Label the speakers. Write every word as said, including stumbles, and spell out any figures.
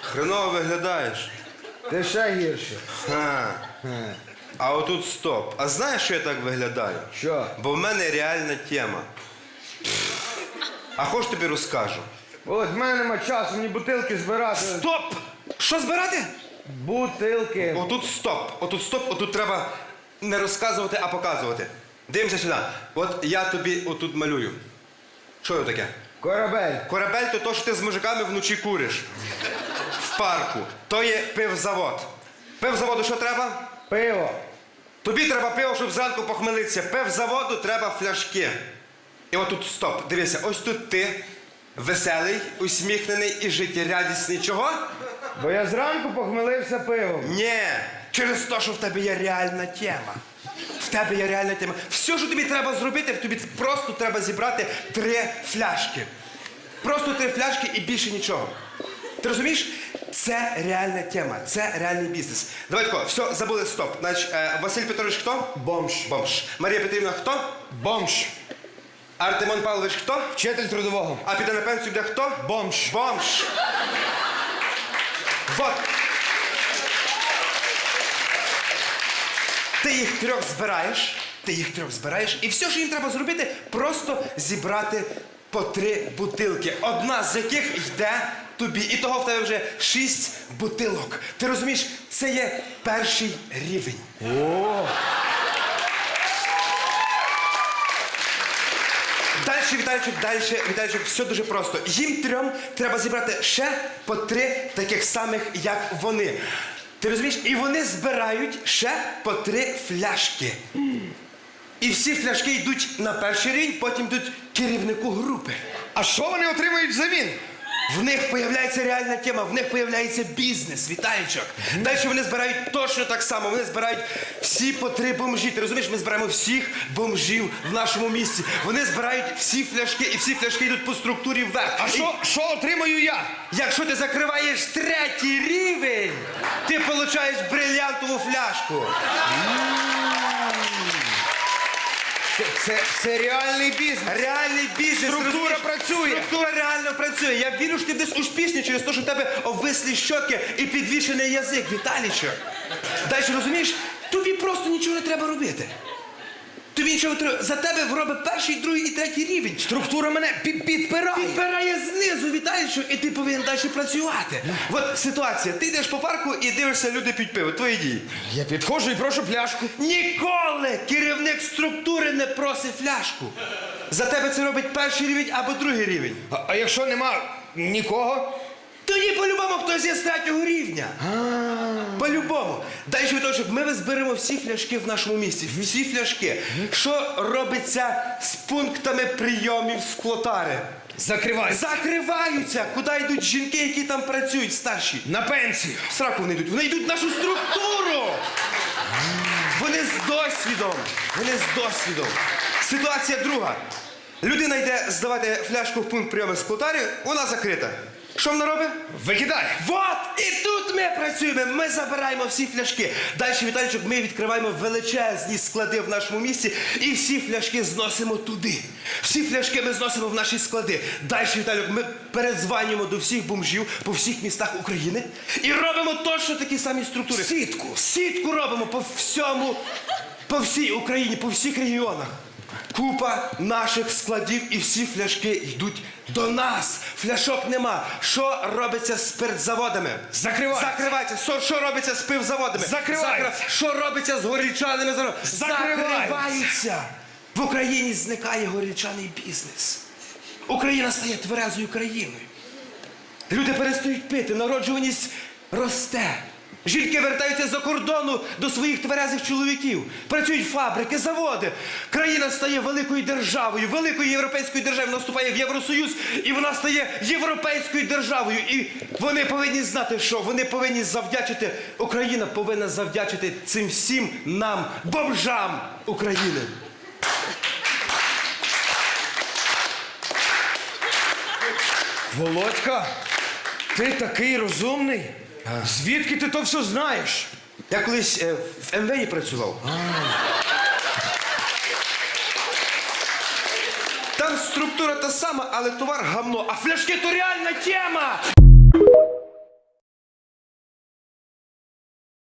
Speaker 1: Хреново виглядаєш.
Speaker 2: Ти ще гірше.
Speaker 1: Ха. А отут стоп. А знаєш, що я так виглядаю?
Speaker 2: Що?
Speaker 1: Бо в мене реальна тема. А хоч тобі розкажу.
Speaker 2: От в мене нема часу, мені бутилки збирати.
Speaker 1: Стоп! Що збирати?
Speaker 2: Бутилки.
Speaker 1: Отут стоп. Отут стоп, отут треба не розказувати, а показувати. Дивимося сюди. От я тобі отут малюю. Що це таке?
Speaker 2: Корабель.
Speaker 1: Корабель то то, що ти з мужиками вночі куриш. В парку. То є пивзавод. Пивзаводу що треба?
Speaker 2: Пиво.
Speaker 1: Тобі треба пиво, щоб зранку похмелитися. Пивзаводу треба фляшки. І отут стоп. Дивися, ось тут ти веселий, усміхнений і життєрадісний. Чого?
Speaker 2: Бо я зранку похмелився пивом.
Speaker 1: Ні, через те, що в тебе є реальна тема. В тебе є реальна тема. Все, що тобі треба зробити, тобі просто треба зібрати три фляшки. Просто три фляшки і більше нічого. Ти розумієш? Це реальна тема, це реальний бізнес. Давай тако, все, забули, стоп. Значить, е, Василь Петрович хто?
Speaker 2: Бомж.
Speaker 1: Бомж. Марія Петрівна хто?
Speaker 2: Бомж.
Speaker 1: Артемон Павлович хто?
Speaker 2: Вчитель трудового.
Speaker 1: А піде на пенсію де хто?
Speaker 2: Бомж.
Speaker 1: Бомж. Вот. Ти їх трьох збираєш, ти їх трьох збираєш, і все, що їм треба зробити, просто зібрати по три бутилки. Одна з яких йде тобі. І того в тебе вже шість бутилок. Ти розумієш, це є перший рівень.
Speaker 2: О.
Speaker 1: Дальше, Віталійчик, дальше, Віталійчик, все дуже просто. Їм трьом треба зібрати ще по три таких самих, як вони. Ти розумієш? І вони збирають ще по три фляшки. І всі фляшки йдуть на перший рівень, потім йдуть керівнику групи.
Speaker 2: А що вони отримують взамін?
Speaker 1: В них появляється реальна тема, в них появляється бізнес, Віталійчик. Далі вони збирають точно так само, вони збирають всі по три бомжі. Ти розумієш, ми збираємо всіх бомжів в нашому місті. Вони збирають всі фляшки, і всі фляшки йдуть по структурі вверх.
Speaker 2: А
Speaker 1: І
Speaker 2: що, що отримаю я?
Speaker 1: якщо ти закриваєш третій рівень, ти отримуєш брильянтову фляжку.
Speaker 2: Це, це, це реальний бізнес.
Speaker 1: Реальний бізнес.
Speaker 2: Структура
Speaker 1: розумієш?
Speaker 2: працює.
Speaker 1: Структура реально працює. Я вірю, що ти десь успішний через те, що в тебе обвислі щоки і підвішений язик, Віталійчик. Далі, розумієш, тобі просто нічого не треба робити. Тобі нічого не треба. За тебе робить перший, другий і третій рівень.
Speaker 2: Структура мене під, підпирає.
Speaker 1: Підбирає знизу, Віталійчик, і ти повинен далі працювати. От ситуація. Ти йдеш по парку і дивишся, люди п'ють пиво. Твої дії.
Speaker 2: Я підходжу і прошу пляшку.
Speaker 1: Ніколи керівник структури не просить фляжку. За тебе це робить перший рівень або другий рівень.
Speaker 2: А, а якщо нема нікого?
Speaker 1: Тоді по-любому хтось є з третього рівня. По-любому. Далі Віталійчик, ми зберемо всі фляшки в нашому місті. Всі фляшки. Що робиться з пунктами прийомів склотари?
Speaker 2: Закривай.
Speaker 1: Закриваються. Куди йдуть жінки, які там працюють, старші?
Speaker 2: На пенсію.
Speaker 1: В сраку вони йдуть. Вони йдуть в нашу структуру. Вони з досвідом. Вони з досвідом. Ситуація друга. Людина йде здавати фляжку в пункт прийому склотарі, вона закрита. Що вона робить?
Speaker 2: Викидай.
Speaker 1: Вот! І тут ми працюємо, ми забираємо всі фляшки. Далі, Віталійчик, ми відкриваємо величезні склади в нашому місті і всі фляшки зносимо туди. Всі фляшки ми зносимо в наші склади. Далі, Віталійчик, ми передзванюємо до всіх бомжів по всіх містах України і робимо точно такі самі структури.
Speaker 2: Сітку.
Speaker 1: Сітку робимо по всьому, по всій Україні, по всіх регіонах. Купа наших складів і всі фляшки йдуть до нас. Фляшок нема. Що робиться з спиртзаводами?
Speaker 2: Закриваються.
Speaker 1: Закриваються. Що, що робиться з пивзаводами?
Speaker 2: Закриваються.
Speaker 1: Закрив- Що робиться з горілчаними заводами?
Speaker 2: Закриваються.
Speaker 1: Закриваються. В Україні зникає горілчаний бізнес. Україна стає тверезою країною. Люди перестають пити, народжуваність росте. Жінки вертаються за кордону до своїх тверезих чоловіків. Працюють фабрики, заводи. Країна стає великою державою, великою європейською державою. Вона вступає в Євросоюз, і вона стає європейською державою. І вони повинні знати, що вони повинні завдячити, Україна повинна завдячити цим всім нам, бомжам України.
Speaker 2: Володька, ти такий розумний. Звідки ти то все знаєш?
Speaker 1: Я колись е, в ем ве і працював. Там структура та сама, але товар гамно. А фляшки то реальна тема!